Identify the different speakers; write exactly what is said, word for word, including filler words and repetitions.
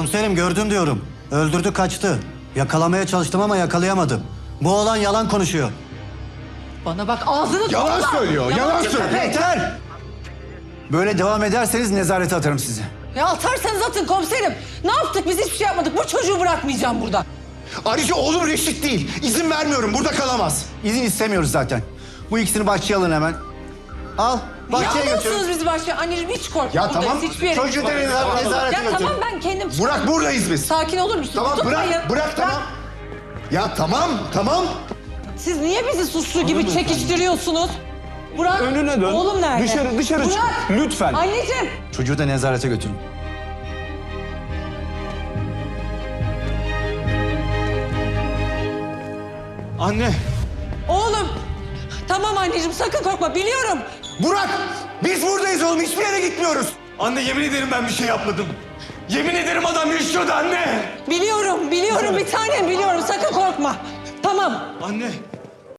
Speaker 1: Komiserim gördüm diyorum. Öldürdü kaçtı. Yakalamaya çalıştım ama yakalayamadım. Bu oğlan yalan konuşuyor.
Speaker 2: Bana bak ağzını
Speaker 3: Yalan
Speaker 2: topla.
Speaker 3: söylüyor, yalan söylüyor.
Speaker 1: Yeter! Böyle devam ederseniz nezarete atarım sizi.
Speaker 2: Ya atarsanız atın komiserim. Ne yaptık biz hiçbir şey yapmadık. Bu çocuğu bırakmayacağım burada.
Speaker 3: Ayrıca oğlum Reşit değil. İzin vermiyorum. Burada kalamaz.
Speaker 1: İzin istemiyoruz zaten. Bu ikisini bahçeye alın hemen. Al, bahçeye
Speaker 2: Niye
Speaker 1: götürün.
Speaker 2: alıyorsunuz bizi başka? Anneciğim hiç korkma.
Speaker 3: Ya
Speaker 2: buradayız,
Speaker 3: tamam,
Speaker 2: hiçbir yere
Speaker 3: çocuğu
Speaker 2: gitmiyoruz.
Speaker 3: da nezarete
Speaker 2: Ya
Speaker 3: götürün.
Speaker 2: tamam ben kendim...
Speaker 3: Burak buradayız biz.
Speaker 2: Sakin olur musun?
Speaker 3: Tamam bırak,
Speaker 2: Tutmayın.
Speaker 3: bırak tamam. Ya tamam, tamam.
Speaker 2: Siz niye bizi suçlu gibi çekiştiriyorsunuz? Burak,
Speaker 4: Önüne dön.
Speaker 2: oğlum nerede?
Speaker 4: Dışarı- dışarı çık.
Speaker 2: Burak,
Speaker 4: Lütfen.
Speaker 2: Anneciğim.
Speaker 1: Çocuğu da nezarete götürün.
Speaker 4: Anne.
Speaker 2: Oğlum. Tamam anneciğim sakın korkma biliyorum.
Speaker 3: Burak, biz buradayız oğlum. Hiçbir yere gitmiyoruz.
Speaker 4: Anne yemin ederim ben bir şey yapmadım. Yemin ederim adam yaşıyordu anne.
Speaker 2: Biliyorum, biliyorum bir tanem biliyorum sakın korkma. Tamam.
Speaker 4: Anne.